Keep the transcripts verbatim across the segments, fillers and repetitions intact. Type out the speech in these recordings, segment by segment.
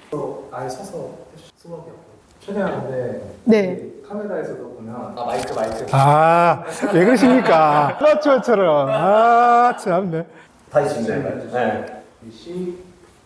아예 서서 수업이었고 최대한 근데 네. 카메라에서도 보면 아 마이크 마이크 아, 왜 그러십니까? 아마추어처럼. 아, 참네. 다시 준비해봐요. 네. 시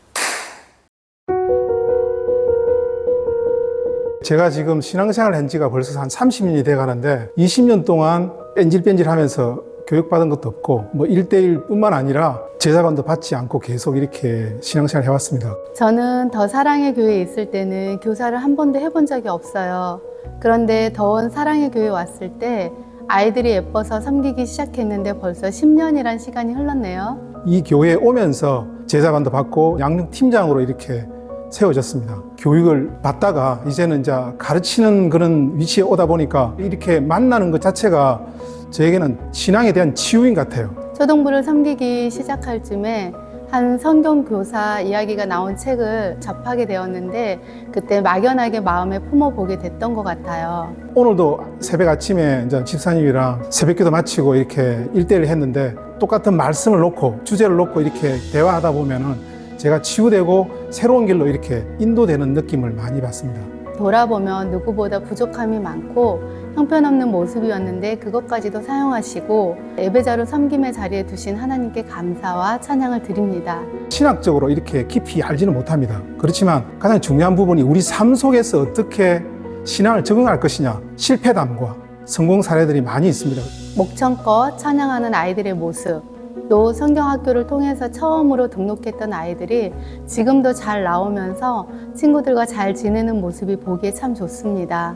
제가 지금 신앙생활 한 지가 벌써 한 삼십 년이 돼 가는데 이십 년 동안 뺀질뺀질 하면서 교육받은 것도 없고 뭐 일 대일 뿐만 아니라 제자반도 받지 않고 계속 이렇게 신앙생활 해왔습니다. 저는 더 사랑의 교회에 있을 때는 교사를 한 번도 해본 적이 없어요. 그런데 더원 사랑의 교회에 왔을 때 아이들이 예뻐서 섬기기 시작했는데 벌써 십 년이란 시간이 흘렀네요. 이 교회에 오면서 제자반도 받고 양육 팀장으로 이렇게 세워졌습니다. 교육을 받다가 이제는 이제 가르치는 그런 위치에 오다 보니까 이렇게 만나는 것 자체가 저에게는 신앙에 대한 치유인 것 같아요. 초등부를 섬기기 시작할 쯤에 한 성경 교사 이야기가 나온 책을 접하게 되었는데 그때 막연하게 마음에 품어보게 됐던 것 같아요. 오늘도 새벽 아침에 이제 집사님이랑 새벽기도 마치고 이렇게 일대일 했는데 똑같은 말씀을 놓고 주제를 놓고 이렇게 대화하다 보면은 제가 치유되고 새로운 길로 이렇게 인도되는 느낌을 많이 받습니다. 돌아보면 누구보다 부족함이 많고 형편없는 모습이었는데 그것까지도 사용하시고 예배자로 섬김의 자리에 두신 하나님께 감사와 찬양을 드립니다. 신학적으로 이렇게 깊이 알지는 못합니다. 그렇지만 가장 중요한 부분이 우리 삶 속에서 어떻게 신앙을 적응할 것이냐, 실패담과 성공 사례들이 많이 있습니다. 목청껏 찬양하는 아이들의 모습, 또 성경학교를 통해서 처음으로 등록했던 아이들이 지금도 잘 나오면서 친구들과 잘 지내는 모습이 보기에 참 좋습니다.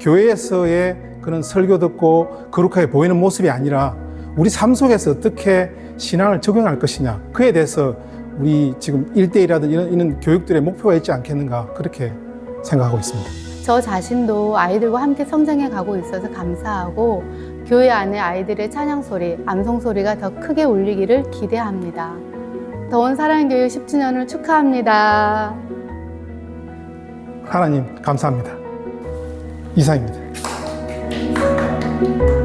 교회에서의 그런 설교 듣고 거룩하게 보이는 모습이 아니라 우리 삶 속에서 어떻게 신앙을 적용할 것이냐, 그에 대해서 우리 지금 일대일이라든 이런, 이런 교육들의 목표가 있지 않겠는가, 그렇게 생각하고 있습니다. 저 자신도 아이들과 함께 성장해 가고 있어서 감사하고 교회 안에 아이들의 찬양 소리, 암송 소리가 더 크게 울리기를 기대합니다. 더원 사랑교육 십 주년을 축하합니다. 하나님 감사합니다. 이상입니다.